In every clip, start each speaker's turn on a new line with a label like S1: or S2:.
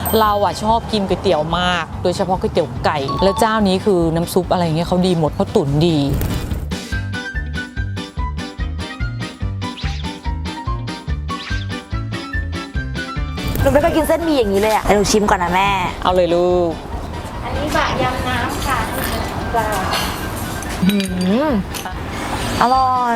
S1: เราอ่ะชอบกินก๋วยเตี๋ยวมากโดยเฉพาะก๋วยเตี๋ยวไก่แล้วเจ้านี้คือน้ำซุปอะไรเงี้ยเขาดีหมดเขาตุ๋นดี
S2: หนูไม่เคยกินเส้นหมี่อย่างนี้เลยอ่ะหนูชิมก่อนนะแม่
S1: เอาเลยลูก
S3: อันนี้บะยำน้ำค่ะปลา
S2: อร่อย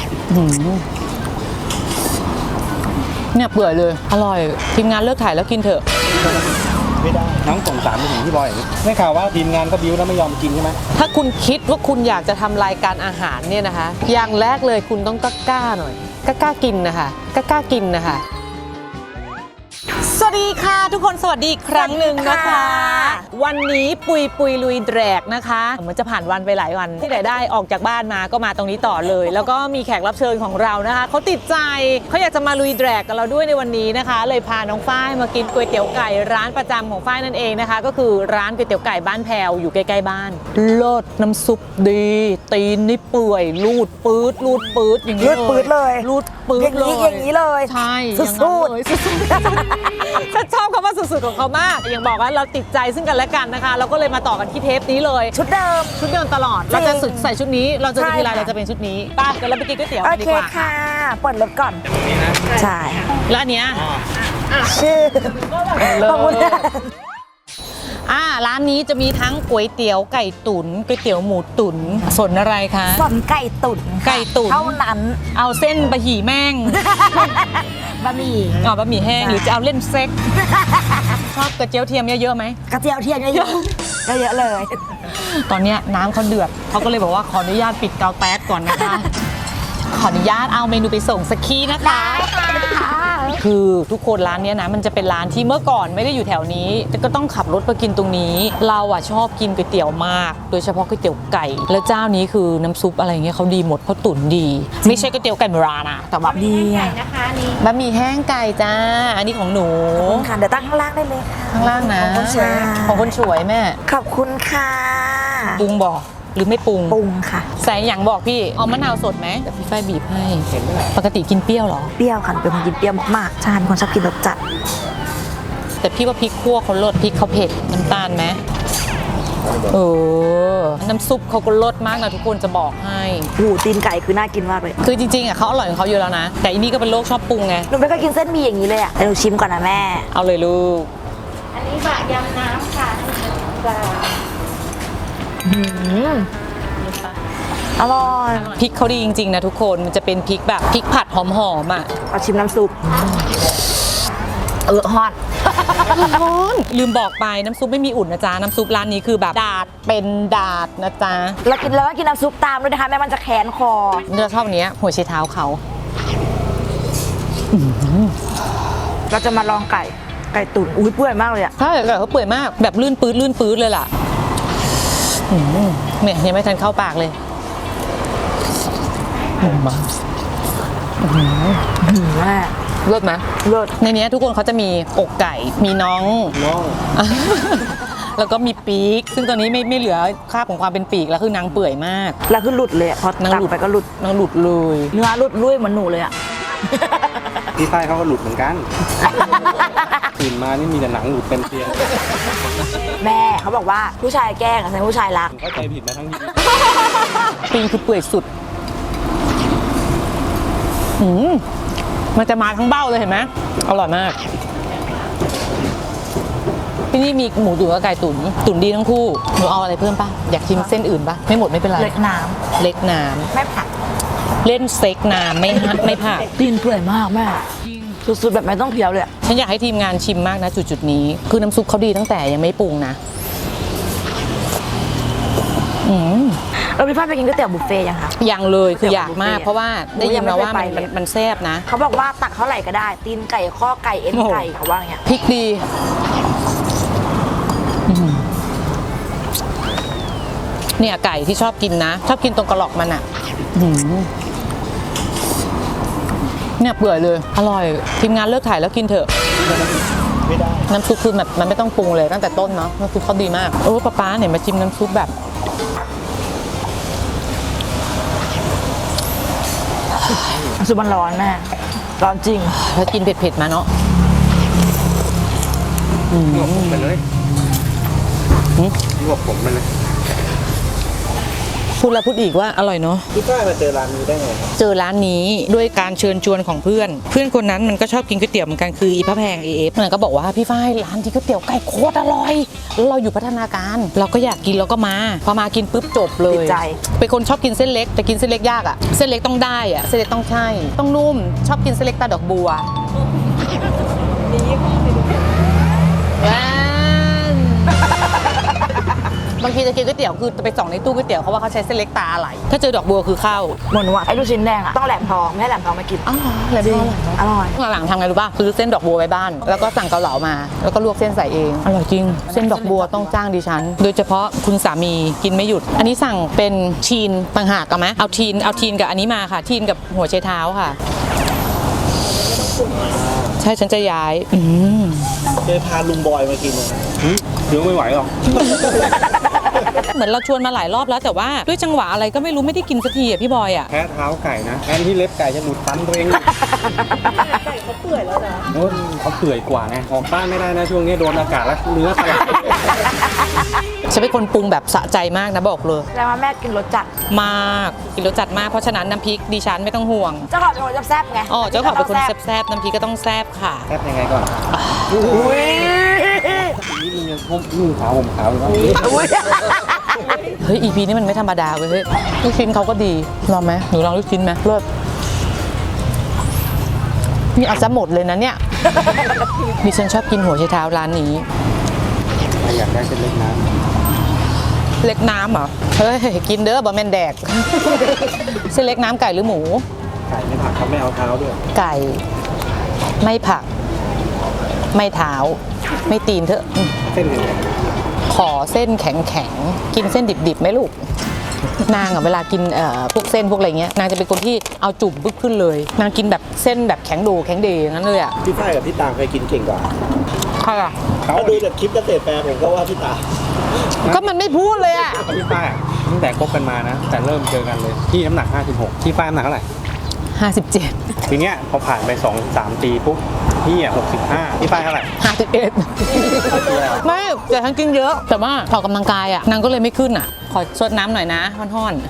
S1: เนี่ยเปื่อยเลยอร่อยทีมงานเลิกถ่ายแล้วกินเถอะ
S4: ไม่ได้น้องส่งสารไปถึงพี่บอยอย่างนี้ได้ข่าวว่าทีมงานก็บิ้วแล้วไม่ยอมกินใช่ไหม
S1: ถ้าคุณคิดว่าคุณอยากจะทำรายการอาหารเนี่ยนะคะอย่างแรกเลยคุณต้องกล้าหน่อยกล้ากินนะคะกล้ากินนะคะสวัสดีค่ะทุกคนสวัสดีอีกครั้งหนึ่งนะคะวันนี้ปุยลุยแดกนะคะเหมือนจะผ่านวันไปหลายวันที่ไหนได้ออกจากบ้านมาก็มาตรงนี้ต่อเลยแล้วก็มีแขกรับเชิญของเรานะคะเขาติดใจเขาอยากจะมาลุยแดกกับเราด้วยในวันนี้นะคะเลยพาน้องฝ้ายมากินก๋วยเตี๋ยวไก่ร้านประจำของฝ้ายนั่นเองนะคะก็คือร้านก๋วยเตี๋ยวไก่บ้านแพวอยู่ใกล้ๆบ้านเลิศน้ำซุปดีตีนนี่เปื่อยลูดปื๊ดอย่างนี้
S2: ลูดปื๊ดเลย
S1: ลูดปื๊ดเลย
S2: อย่างนี้เลย
S1: ใช่
S2: สุด
S1: ฉันชอบคำว่าสุดๆของเขามากอย่างบอกว่าเราติดใจซึ่งกันและกันนะคะเราก็เลยมาต่อกันที่เทปนี้เลย
S2: ชุดเดิม
S1: ตลอดเราจะใส่ชุดนี้เราจะทีไรเราจะเป็นชุดนี้ป้าเดี๋ยวเราไปกินก๋วยเตี๋ยวกันดีกว่า
S2: ค่ะเปิดรถก่อนใช่
S1: แล้วอันเนี้ย
S2: ชื่อขอบคุณ
S1: ร้านนี้จะมีทั้งก๋วยเตี๋ยวไก่ตุ๋นก๋วยเตี๋ยวหมูตุ๋นส่วนอะไรคะ
S2: ส่วนไก่ตุ๋นเท่านั้น
S1: เอาเส้นบะหมี่แม่ง
S2: บะหมี่
S1: บะหมี่แห้งหรือจะเอาเล่นเซ็กชอบกระเจียวเทียมเยอะๆไหม
S2: กระเจียวเทียมเยอะเลย
S1: ตอนนี้น้ำเขาเดือดเขาก็เลยบอกว่าขออนุญาตปิดเตาแก๊สก่อนนะคะขออนุญาตเอาเมนูไปส่งสักทีนะคะคือทุกคนร้านนี้นะมันจะเป็นร้านที่เมื่อก่อนไม่ได้อยู่แถวนี้แต่ก็ต้องขับรถไปกินตรงนี้เราอ่ะชอบกินก๋วยเตี๋ยวมากโดยเฉพาะก๋วยเตี๋ยวไก่แล้วเจ้านี้คือน้ำซุปอะไรเงี้ยเขาดีหมดเขาตุ๋นดีไม่ใช่ก๋วยเตี๋ยวไก่โบราณนะแต่แบบ
S2: ดี
S3: นะคะนี่
S1: บะหมี่แห้งไก่จ้าอันนี้ของหนู
S2: ค่ะเดี๋ยวตั้งข้างล่างได้เลยค่ะ
S1: ข้างล่างนะของคนสวยแม่
S2: ขอบคุณค่ะ
S1: ปรุงบอกหรือไม่ปรุง
S2: ค่ะ
S1: ใส่อย่างบอกพี่เอามะนาวสดไหมแต่พี่ฝ้ายบีบให้ปกติกินเปรี้ยวหรอ
S2: เปรี้ยวค่ะเป็นคนกินเปรี้ยวมากๆใช่เป็นคนชอบกินรสจัด
S1: แต่พี่ว่าพริกคั่วเขาลดพริกเขาเผ็ดน้ำตาลไหมน้ำซุปเขาก็ลดมากนะทุกคนจะบอกให้
S2: ตีนไก่คือน่ากินมากเลย
S1: คือจริงๆเขาอร่อยของเขาอยู่แล้วนะแต่อันนี้ก็เป็นโรคชอบปรุงไง
S2: หนูไม่เคยกินเส้นหมี่อย่างนี้เลยอ่ะหนูชิมก่อนนะแม่
S1: เอาเลยลูก
S3: อันนี้บะยำน้ำค่ะปลา
S2: อร่อย
S1: พริกเขาดีจริงๆนะทุกคนมันจะเป็นพริกแบบพริกผัดหอมๆอ่ะ
S2: เอาชิมน้ำซุปฮอต
S1: ลืมบอกไปน้ำซุปไม่มีอุ่นนะจ๊ะน้ำซุปร้านนี้คือแบบดาดเป็นดาดนะจ๊ะ
S2: แล้วกินน้ำซุปตามด้วยนะคะแม่มันจะแข็งคอ
S1: เราชอบเนี้ยหัวไชเท้าเขา
S2: เราจะมาลองไก่ตุ๋นเปื่อยมากเลยอ่ะ
S1: ใช่ไก่เขาเปื่อยมากแบบลื่นปื๊ดเลยล่ะเนี่ยยังไม่ทันเข้าปากเลย
S2: แม่
S1: เลิศไหม
S2: เลิศ
S1: ในนี้ทุกคนเขาจะมีอกไก่มีน้องแล้วก็มีปีกซึ่งตอนนี้ไม่เหลือคราบของความเป็นปีกแล้วคือนางเปื่อยมาก
S2: แล้วคือหลุดเลยพอนางหลุดไปก็หลุด
S1: นางหลุดเลย
S2: เนื้อหลุดลุยเหมือนหนูเลยอ่ะ
S4: พี่ฝ้ายเขาก็หลุดเหมือนกันตื่นมานี่มีแต่หนังหลุดเป็นเตียง
S2: แม่เขาบอกว่าผู้ชายแกล้งใช่ผู้ชายรัก
S4: เข้าใจผิดมาทั้งนี้
S1: ปีกคือเปื่อยสุดมันจะมาทั้งเบ้าเลยเห็นไหมอร่อยมากที่นี่มีหมูตุ๋นกับไก่ตุ๋นดีทั้งคู่หนูเอาอะไรเพิ่มป่ะอยากชิมเส้นอื่นป่ะไม่หมดไม่เป็นไร
S2: เล็กน้ำไม่ผัก
S1: เล่นเซ็กน้ำไม่ผัก
S2: ตีนเปื่อยมากแม่สุดๆแบบไม่ต้องเคี้ยวเลย
S1: ฉันอยากให้ทีมงานชิมมากนะจุดนี้คือน้ำซุปเขาดีตั้งแต่ยังไม่ปรุงนะ
S2: เราพี่ฝ้ายไปกินก๋วยเตี๋ยวบุฟเฟ่ยังคะ
S1: ยังเลยคืออยากมากเพราะว่าได้ยินมาว่ามันแซ่บนะ
S2: เขาบอกว่าตักเท่าไหร่ก็ได้ตีนไก่ข้อไก่เอ็นไก่เขาว่าอย่างเงี้ย
S1: พริกดีเนี่ยไก่ที่ชอบกินนะชอบกินตรงกระหลอกมันอ่ะเนี่ยเปื่อยเลยอร่อยทีมงานเลิกถ่ายแล้วกินเถอะ
S4: ไม่ได้
S1: น้ำซุปคือแบบมันไม่ต้องปรุงเลยตั้งแต่ต้นเนาะน้ำซุปเขาดีมากป๊าเนี่ยมาชิมน้ำซุปแบบ
S2: ซุปมันร้อนแม่ร้อนจริง
S1: แล้วกินเผ็ดๆมาเนาะ
S4: ลวกผมไปเลยลวกผมไปเลย
S1: พูดแล้วพูดอีกว่าอร่อยเนาะ
S4: พี่ฝ้ายมาเจอร้านนี้ได้ไงครับ
S1: เจอร้านนี้ด้วยการเชิญชวนของเพื่อน เพื่อนคนนั้นมันก็ชอบกินก๋วยเตี๋ยวเหมือนกันคืออีพระแพงเอฟมันก็บอกว่าพี่ฝ้ายร้านที่ก๋วยเตี๋ยวไก่โคตรอร่อยแล้วเราอยู่พัฒนาการเราก็อยากกินเราก็มาพอมากินปุ๊บจบเลย
S2: ติดใจ
S1: เป็นคนชอบกินเส้นเล็กแต่กินเส้นเล็กยากอ่ะเส้นเล็กต้องได้อ่ะเส้นเล็กต้องใช่ต้องนุ่มชอบกินเส้นเล็กตาดอกบัวบางทีจะกินก๋วยเตี๋ยวคือไปส่องในตู้ก๋วยเตี๋ยวเขาว่าเขาใช้เส้นเล็กตาอะไรถ้าเจอดอกบัวคือเข้า
S2: หมดว่าไอ้ลูกชิ้นแดงอะต้องแหลมทองไม่ให้แหลมทองมากิน
S1: อ๋ออะไรบ้าง
S2: อร่อย
S1: หลังๆทำไงรู้ป่ะซื้อเส้นดอกบัวไว้บ้าน แล้วก็สั่งเกาเหลามา แล้วก็ลวกเส้นใส่เอง อร่อยจริง เส้นดอกบัวต้องจ้างดิฉัน โดยเฉพาะคุณสามีกินไม่หยุด อันนี้สั่งเป็นทีนต่างหากเอาไหมเอาทีนกับอันนี้มาค่ะทีนกับหัวไชเท้าค่ะ ใช่ฉันจะย้าย
S5: เคยพาลุงบอยมากินไหม
S4: เดี๋ยวไม่ไหวหรอก
S1: เหมือนเราชวนมาหลายรอบแล้วแต่ว่าด้วยจังหวะอะไรก็ไม่รู้ไม่ได้กินสักทีอ่ะพี่บอยอ่ะ
S4: แพ้เท้าไก่นะแทนที่เล็บไก่จะหลุดฟันตัวเองไก่เขาเปื่อยแล้วนะเขาเปื่อยกว่าไงออกบ้านไม่ได้นะช่วงนี้โดนอากาศแล้วเนื้อสลาย
S1: ฉันเป็นคนปรุงแบบสะใจมากนะบอกเลย
S2: แล้วมาแม่กินรสจัด
S1: มากกินรสจัดมากเพราะฉะนั้นน้ำพริกดิฉันไม่ต้องห่วง
S2: เจ้าของเป็นคนแซ่บๆไง
S1: อ๋อเจ้าของเป็นคนแซ่บๆน้ำพริกก็ต้องแซ่บค่ะ
S4: แทบยังไงก่อน
S2: อุ้ย
S4: นี่มึงยังนุ่งขาวห่มขาวอยู่วะ
S2: อุ้ย
S1: เฮ้ย EP นี้มันไม่ธรรมดาเว้ยเฮ้ยลูกชิ้นเขาก็ดีลองไหมหนูลองลูกชิ้นไหมเลิศนี่เอาซะหมดเลยนะเนี่ย ดิฉันชอบกินหัวไชเท้าร้านนี้
S4: อยากได้เส้นเล็กน้
S1: เล็กน้ำเหรอ เฮ้ย กินเด้อบะแมนแดก เส้นเล็กน้ำไก่หรือหมู
S4: ำไก่ไม่ผักเขาไม่เอาเท้าด้วย
S1: ไก่ ไม่ผัก ไม่เท้า ไม่ตีนเถอะ
S4: เส้นหนึ่ง
S1: ขอเส้นแข็งๆ กินเส้นดิบๆไหมลูก นางอะเวลากินพวกเส้นพวกอะไรเงี้ย นางจะเป็นคนที่เอาจุ่มปึ๊บขึ้นเลย นางกินแบบเส้นแบบแข็งโดแข็งเดอย่างนั้นเลยอะ
S5: พี่ฝ้ายกับพี่ตางเคยกินเก่งกว่า
S1: ค่ะ
S5: ถ้าดูจากคลิปเกษตรแฟร์ผมก็ว่าพี่ตาง
S1: ก็มันไม่พูดเลยอะ
S4: พี่ฝ้ายอะตั้งแต่คบกันมานะ แต่เริ่มเจอกันเลยที่น้ำหนัก 56พี่ฝ้ายน้ำหนักเท่าไหร่
S1: 57
S4: ทีเนี้ยพอผ่านไป 2-3 ปีปุ๊บพี่อ่ะ65พี่ฝ้ายเท่าไหร่
S1: 51ไม่แต่ฉันกินเยอะ แต่ว่าออกกำลังกายอะนางก็เลยไม่ขึ้นอะขอซดน้ำหน่อยนะห้อน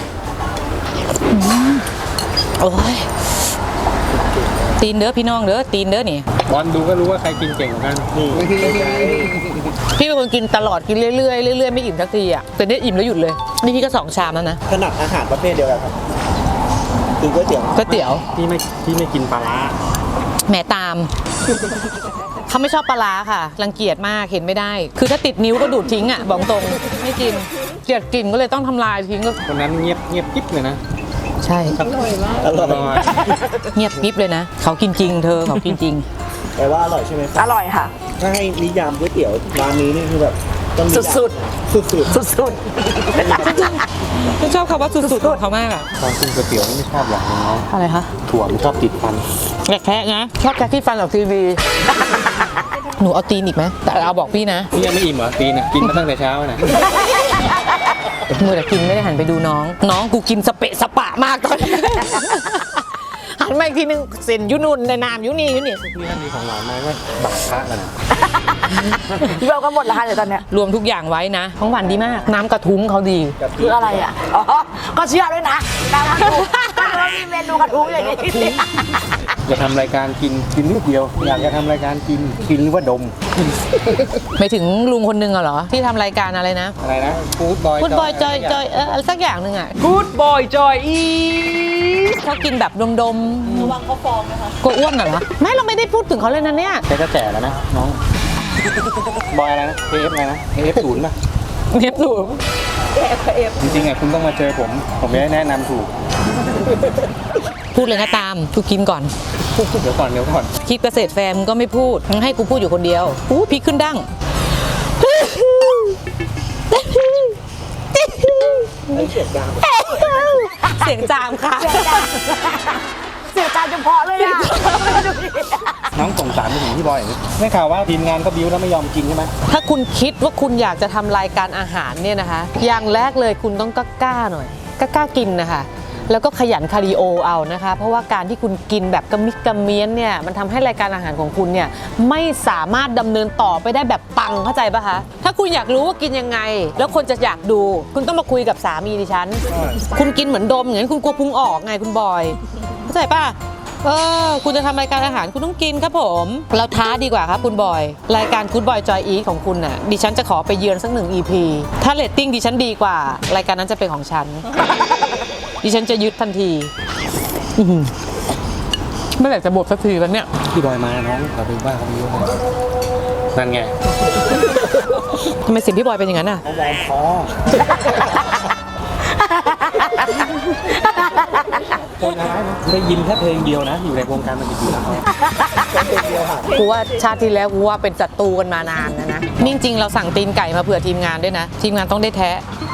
S1: ๆโอ้ยตีนเด้อพี่น้องเด้อตีนเด้อนี่
S4: บอลดูก็รู้ว่าใครกินเก่งกว่ากัน
S5: นี่
S1: พี่เป็นคนกินตลอดกินเรื่อยๆเรื่อยๆไม่อิ่มสักทีอะแต่เนี่ยอิ่มแล้วหยุดเลยนี่พี่ก็2 ชามแล้วนะ
S5: ถนัดอาหารประเภทเดียวกันครับคือก๋วยเตี๋ยว
S1: ก๋วยเตี๋ยว
S4: พี่ไม่กินปลาร้า
S1: แหมตาม เขาไม่ชอบปลาร้าค่ะ รังเกียจมากเห็นไม่ได้ คือถ้าติดนิ้วก็ดูดทิ้งอ่ะบอกตรงไม่กินเกลียดกลิ่นก็เลยต้องทำลายทิ้งก็
S4: คนนั้นเงียบกิ๊บเลยนะ
S1: ใช่
S5: อร่อย
S1: เงียบกริบเลยนะ เขากินจริงเธอเขากินจริง
S5: แต่ว่าอร่อยใช่ไหม
S2: อร่อยค่ะ
S5: ถ้าให้นิยามก๋วยเตี๋ยวร้านนี้นี่คือแบบต้องนิยาม
S2: สุด
S5: สุด
S2: สุด
S1: ฉันชอบคำว่าสุดๆของเขามากอ่ะ
S4: ตอนกินก๋วยเตี๋ยวไม่ชอบอย่างนึงเนาะ
S1: อะไรคะ
S4: ถั่วมันชอบติดฟัน
S1: อยากแคะนะชอบแคะที่ฟันออกทีวีหนูเอาตีนอีกไหมแต่เอาบอกพี่นะ
S4: พี่ยังไม่อิ่มเหรอตีนอ่ะกินมาตั้งแต่เช้านะ
S1: มือแต่กินไม่ได้หันไปดูน้อง น้องกูกินสเปะสปะมากตอนนี้ หันมาอีกทีนึงเส้นยุนุนในน้ำยุนี่ยุนี่
S4: พี่ท่านมีของหวานไหมว่าบักพระกันนะ
S2: ๆเราก็หมดแล้วค่ะเดี๋ยวตอนเนี้ย
S1: รวมทุกอย่างไว้นะของหวานดีมาก น้ำกระทุ้งเขาดี
S2: คืออะไรอ่ะ อ๋อ ก็เชื่อด้วยนะน้ำกระทุ้งก็เลยมีเมนูกระทุ้งอย่างนี้
S4: จะทำรายการกินนิดเดียว อยากจะทำรายการกินหรือว่าดม
S1: ไม่ถึงลุงคนนึงเหรอ ที่ทำรายการอะไรนะ
S4: อะไรนะฟู้ดบอย
S1: พูดบอยจอยจอยอะไรสักอย่างหนึ่งอ่ะ Good boy joy เขากินแบบดมๆระวังเขาฟองนะคะกลัวอ้วนเหรอไม่เราไม่ได้พูดถึงเขาเลยนะเนี่ย
S4: แกก็แก่แล้วนะน้อง บอยอะไรนะ AF อะไรนะ AF 0ป่ะ
S1: เนียบสูง
S4: จริงๆอ่ะคุณต้องมาเจอผมจะได้แนะนำถูก
S1: พูดเลยนะตามกูกินก่อน
S4: เดี๋ยวก่อน
S1: คลิปเกษตรแฟร์มงก็ไม่พูดมึงให้กูพูดอยู่คนเดียวพริกขึ้นดั้ง
S5: เสียงดัง
S1: เสียงจามค่ะ
S2: เสียใจเฉพาะเลยอ่ะ
S4: น้องส่งสารไปถึงพี่บอยอย่างนี้ไม่ข่าวว่าทีมงานก็บิ้วแล้วไม่ยอมกินใช่ไหม
S1: ถ้าคุณคิดว่าคุณอยากจะทำรายการอาหารเนี่ยนะคะ อย่างแรกเลยคุณต้องกล้าหน่อยกล้ากินนะคะแล้วก็ขยันคาร์ดิโอเอานะคะเพราะว่าการที่คุณกินแบบกระมิดกระเมี้ยนเนี่ยมันทำให้รายการอาหารของคุณเนี่ยไม่สามารถดำเนินต่อไปได้แบบปังเข้าใจปะคะถ้าคุณอยากรู้ว่ากินยังไง แล้วคนจะอยากดูคุณต้องมาคุยกับสามีดิฉันคุณกินเหมือนดมอย่างนั้นคุณกลัวพุงออกไงคุณบอยเข้าใจปะคุณจะทำรายการอาหารคุณต้องกินครับผมเราท้าดีกว่าครับคุณบอยรายการ Good Boy Joy Eat ของคุณน่ะดิฉันจะขอไปเยือนสัก1 EP ถ้าเรตติ้งดิฉันดีกว่ารายการนั้นจะเป็นของฉัน ดิฉันจะยึดทันทีไม่อยากจะบทสักทีแล้วเนี่ย
S4: พี่บอยมาน้องเราเป็นบ้าเขาไม่รู้นะนั่นไง
S1: ทำไมเสียงพี่บอยเป็นอย่างนั้นอ่ะ
S5: เขาวอร์มคอ
S4: คนร้ายนะได้ยินแค่เพลงเดียวนะ อยู่ในวงการมันกี่ปีแล้ว
S1: กูว่าชาติที่แล้วกูว่าเป็นศัตรูกันมานานนะนี่จริงๆเราสั่งตีนไก่มาเผื่อทีมงานด้วยนะทีมงานต้องได้แท้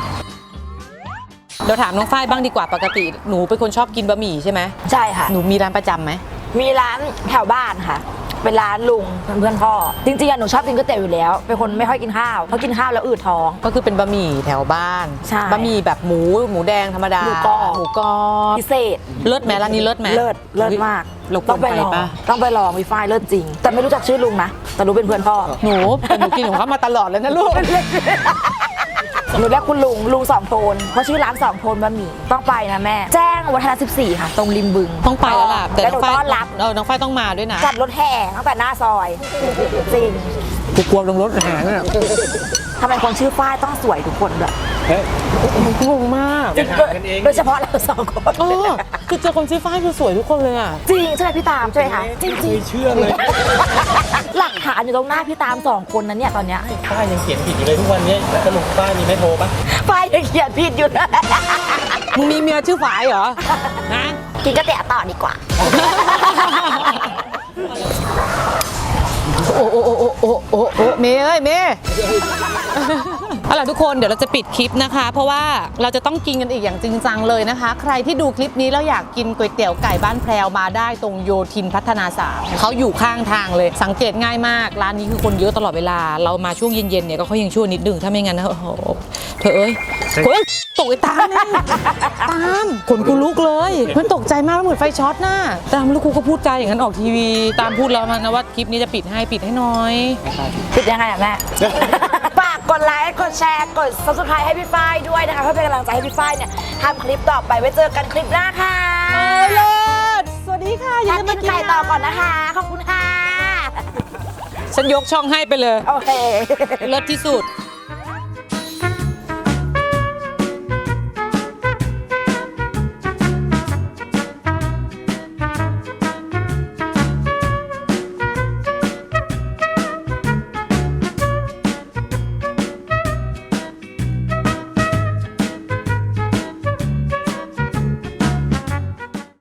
S1: เราถามน้องฝ้ายบ้างดีกว่าปกติหนูเป็นคนชอบกินบะหมี่ใช่ไหม
S2: ใช่ค่ะ
S1: หนูมีร้านประจำไหม
S2: มีร้านแถวบ้านค่ะ เป็นร้านลุงเพื่อนพ่อจริงๆหนูชอบกินก๋วยเตี๋ยวอยู่แล้วเป็นคนไม่ค่อยกินข้าวเพราะกินข้าวแล้วอืดท้อง
S1: ก็คือเป็นบะหมี่แถวบ้าน
S2: ใช่
S1: บะหมี่แบบหมูแดงธรรมดา
S2: หมูกรอบ
S1: หมูกรอบ
S2: พิเศษ
S1: เลิศไหมร้านนี้เลิศไหม
S2: เลิศมาก
S1: เราคว
S2: ต้อ
S1: รง
S2: ไป
S1: ไป
S2: ลอง
S1: ปะ
S2: ต้องไปลองวีไฟเลิศจริง แต่ไม่รู้จักชื่อลุงนะแต่รู้เป็นเพื่อนพ่อ
S1: หนูแต่หนูกินของเขามาตลอดเลยนะลูก
S2: หนูเรียกคุณลุงสองโทนเพราะชื่อร้านสองโทนบะหมี่ต้องไปนะแม่ แจ้งวัฒนะ14 ค่ะ ตรงริมบึง
S1: ต้องไปแล้วล่ะแต่
S2: แล้ว
S1: น้
S2: ห
S1: อง
S2: นู
S1: ฝ้าย
S2: ต้อนรับ
S1: น้องฝ้ายต้องมาด้วยนะ
S2: จัดรถแห่ตั้งแต่หน้าซอยจริง
S1: กูกลัวลงรถอาหารน่ะ
S2: ทำไมคนชื่อฝ้ายต้องสวยทุกคนด้วย
S4: เฮ้ย
S1: งงมาก
S4: อย่าถามกันเอง
S2: โดยเฉพาะเราสองคน
S1: คือเจอคนชื่อฝ้ายคือสวยทุกคนเลยอ่ะ
S2: จริงใช่ไหมพี่ตามใช่ไหมคะจริง
S4: เคยเชื่อเลย
S2: ๆหลักฐานอยู่ตรงหน้าพี่ตามสองคนนั้นเนี่ยตอนเนี้ย
S4: ป้ายยังเขียนผิดอยู่เลยทุกวันนี้สรุปป้ายมีไม่โทรปะ
S2: ฝ้ายยังเขียนผิดอยู่นะ
S1: มึงมีเมียชื่อฝายเหรอนะ
S2: กินก๋วยเตี๋ยวต่อดีกว่า
S1: โอ้เมย์เอ้ยเมย์เอาล่ะทุกคนเดี๋ยวเราจะปิดคลิปนะคะ เพราะว่าเราจะต้องกินกันอีกอย่างจริงจังเลยนะคะ ใครที่ดูคลิปนี้แล้วอยากกินก๋วยเตี๋ยวไก่บ้านแพรวมาได้ตรงโยธินพัฒนา3เขาอยู่ข้างทางเลยสังเกตง่ายมากร้านนี้คือคนเยอะตลอดเวลาเรามาช่วงเย็นๆเนี่ยก็เขายังชั่วนิดนึงถ้าไม่งั้นนะโอ้โหเธอเอ้ยตกไอ้ตามเนี่ยตามขนกูลุกเลยมันตกใจมากเหมือนไฟช็อตน่ะตามลูกกูก็พูดใจอย่างนั้นออกทีวีตามพูดแล้วมันนะว่าคลิปนี้จะปิดให้หน่อย
S2: ปิดยังไงอะแม่ ฝากกดไลค์กดแชร์กด subscribe ให้พี่ฝ้ายด้วยนะคะเพื่อเป็นกำลังใจให้พี่ฝ้ายเนี่ยทำคลิปต่อไปไว้เจอกันคลิปหน้าค่ะ
S1: เลิศสวัสดีค่ะอย่า
S2: ทาน
S1: ลืม
S2: กิ
S1: มาน กิน
S2: ไก่ต่อก่อนนะคะ ขอบคุณค่ะ
S1: ฉันยกช่องให้ไปเลย
S2: โอเค
S1: เลิศที่สุด